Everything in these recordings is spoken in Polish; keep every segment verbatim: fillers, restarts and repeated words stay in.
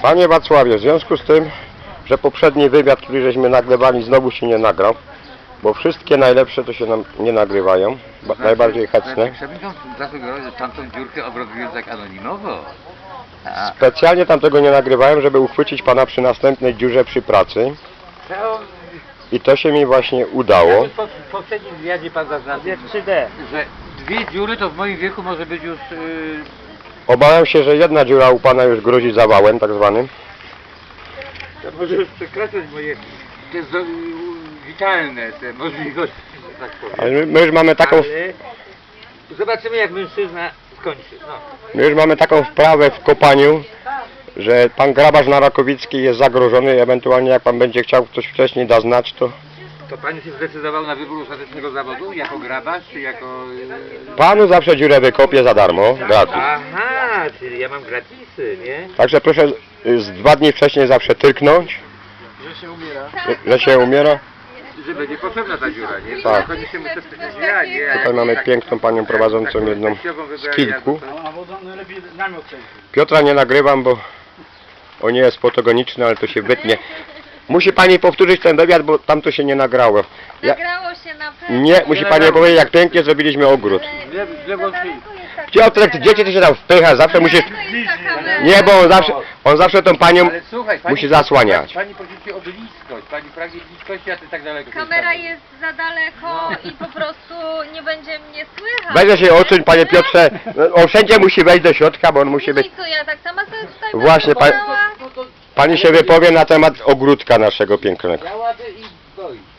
Panie Wacławie, w związku z tym, że poprzedni wywiad, który żeśmy nagrywali, znowu się nie nagrał, bo wszystkie najlepsze to się nam nie nagrywają, Znaczy, najbardziej chętne. Przewodniczący zasugerował, że tamtą dziurkę obrobiłem tak anonimowo. A, Specjalnie tamtego nie nagrywałem, żeby uchwycić pana przy następnej dziurze przy pracy to, i to się mi właśnie udało. po, w poprzednim wywiadzie pan zaznaczył, Jest trzy D. że dwie dziury to w moim wieku może być już... Yy, Obawiam się, że jedna dziura u pana już grozi zawałem tak zwanym. to może już przekraczać moje te zo, yy, witalne te możliwości, że tak powiem. Ale my, my już mamy taką, Ale zobaczymy, jak mężczyzna skończy. No. my już mamy taką wprawę w kopaniu, że pan grabarz na Rakowickiej jest zagrożony i ewentualnie jak pan będzie chciał coś wcześniej dać znać, to To pan się zdecydował na wybór ostatecznego zawodu? Jako grabarz, czy jako... Yy... panu zawsze dziurę wykopię za darmo, gratis. Aha, czyli ja mam gratisy, nie? Także proszę y, z dwa dni wcześniej zawsze tyrknąć, Że się umiera. że, że się umiera. Że będzie potrzebna ta dziura, nie? Tak. Koniecznie muszę przecież ja, nie? Tutaj mamy piękną panią prowadzącą jedną z kilku. A wodą najlepiej namiot przejść. Piotra nie nagrywam, bo on nie jest fotogeniczny, ale to się wytnie. Musi pani powtórzyć ten wywiad, bo tam to się nie nagrało. Ja, Nagrało się na pewno. nie, musi pani powiedzieć, jak pięknie zrobiliśmy ogród. Źle, źle włączyli. Piotrek, ty dzieci ty się tam wpycha, zawsze musisz... Nie, bo on zawsze, on zawsze tą panią Ale słuchaj, pani, musi zasłaniać. Pani pożyczy o bliskość, pani pragnie bliskości, a ty tak daleko. Kamera zostawiasz. jest za daleko i po prostu nie będzie mnie słychać. Weźże się odsuń, panie Piotrze, on wszędzie musi wejść do środka, bo on musi być... I co, ja tak sama sobie tutaj Właśnie, będę pa- stała? No to Pani się wypowie na temat ogródka naszego pięknego. ja ładę i boi się.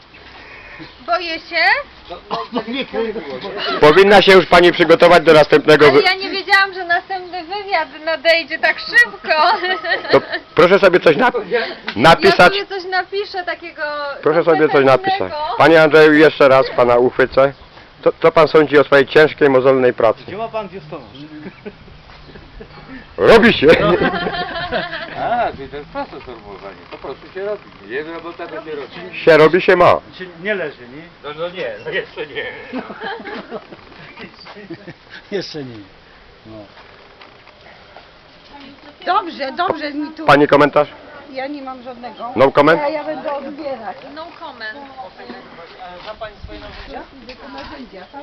Boję się, No, no, to nie było, nie? Powinna się już pani przygotować do następnego... ale Wy... ja nie wiedziałam, że następny wywiad nadejdzie tak szybko. To proszę sobie coś nap Ja napisać. sobie coś napiszę takiego... Proszę sobie coś napisać. konkretnego. Panie Andrzeju, jeszcze raz pana uchwycę. Co, co pan sądzi o swojej ciężkiej, mozolnej pracy? Gdzie ma pan biustonosz? Robi się! A, czyli to jest proste sformułowanie. Po prostu się robi. Jest robota, to się robi. Się robi, się ma. Czy nie leży, nie? No, no nie, no jeszcze nie. Jeszcze nie. No. Dobrze, dobrze mi tu. Pani komentarz? Ja nie mam żadnego. No comment? A ja będę odbierać. No comment. Zna pani swoje narzędzia? Tylko narzędzia, tak?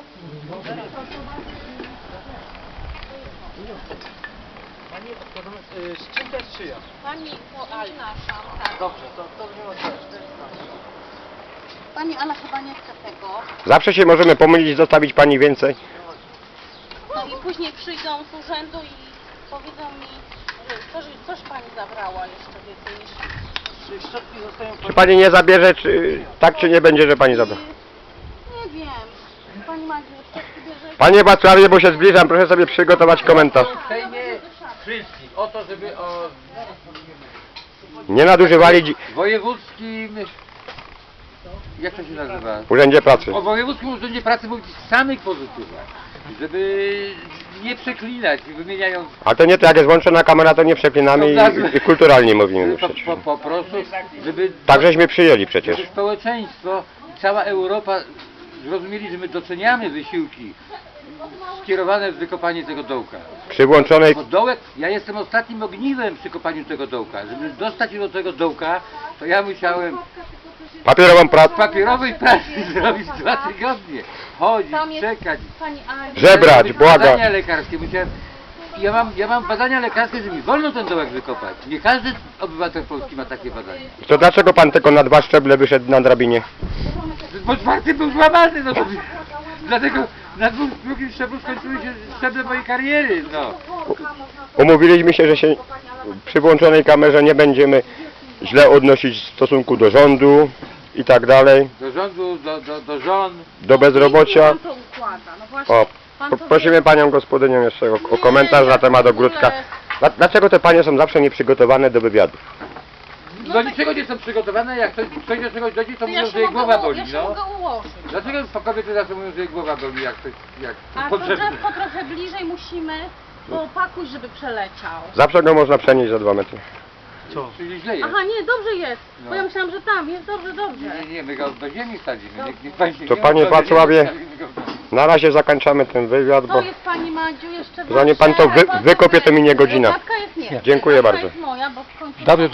Pani, y, z czym to jest czyja? Pani przepraszam, tak. Dobrze, to, to nie ma sprawy. Pani Ala chyba nie chce tego. Zawsze się możemy pomylić, zostawić pani więcej. No i później przyjdą z urzędu i powiedzą mi, że coś, coś pani zabrała jeszcze więcej niż... Czy szczotki zostają Czy pani nie zabierze, czy tak czy nie będzie, że pani zabierze? Nie wiem. Pani Madziu, szczotki bierze... Panie Wacławie, bo się zbliżam, proszę sobie przygotować komentarz. Przejmie wszystkich o to, żeby o Nie nadużywali dzi- wojewódzkim... Jak to się nazywa? w Urzędzie Pracy. O wojewódzkim urzędzie pracy mówić samych pozytywach. Żeby nie przeklinać, wymieniając... A to nie, to jak jest włączona kamera, to nie przeklinamy i, i kulturalnie mówimy Po, przecież. po, po prostu, żeby... Tak żeśmy przyjęli przecież. Żeby społeczeństwo, cała Europa zrozumieli, że my doceniamy wysiłki skierowane w wykopanie tego dołka. Przy włączonej... Bo dołek, ja jestem ostatnim ogniwem przy kopaniu tego dołka. Żeby dostać się do tego dołka, to ja musiałem papierową z pracę, papierowej pracy zrobić dwa tygodnie. Chodzić, Tam jest czekać. pani Ani. żebrać, robić błagać. Badania lekarskie. Musiałem... Ja mam, ja mam badania lekarskie, że mi wolno ten dołek wykopać. Nie każdy obywatel Polski ma takie badania. To dlaczego pan tylko na dwa szczeble wyszedł na drabinie? Bo czwarty był złamany, no to... Dlatego na dwóch, drugim szczeblu skończyły się szczeble mojej kariery, no. Umówiliśmy się, że się przy włączonej kamerze nie będziemy źle odnosić w stosunku do rządu i tak dalej, Do rządu, do, do, do żon. do bezrobocia. Pan to układa. No właśnie, O, pan po- to prosimy panią gospodynię jeszcze o, o komentarz na temat ogródka. Dla- Dlaczego te panie są zawsze nieprzygotowane do wywiadów? Do niczego nie są przygotowane, jak ktoś, ktoś do czegoś dojdzie, to To mówią, ja że się jej mogę, głowa u- boli, ja się no. mogę ułożyć. Dlaczego po kobiety zawsze mówią, że jej głowa boli, jak ktoś, jak A to potrzebny? drzewko trochę bliżej musimy poopakuj, żeby przeleciał. Zawsze go można przenieść za dwa metry. Co? Czyli źle jest. Aha, nie, dobrze jest. No. Bo ja myślałam, że tam jest dobrze, dobrze. Nie, nie, my go do ziemi wsadzimy. Niech, niech pani się To nie panie obawi, że Wacławie- wsadzimy go w ziemi. Na razie zakończamy ten wywiad, bo To jest pani Madziu jeszcze zanim pan to wy, wykopie, to minie godzina. Matka jest nie. Dziękuję Matka bardzo. jest moja, bo w końcu... Dobrze.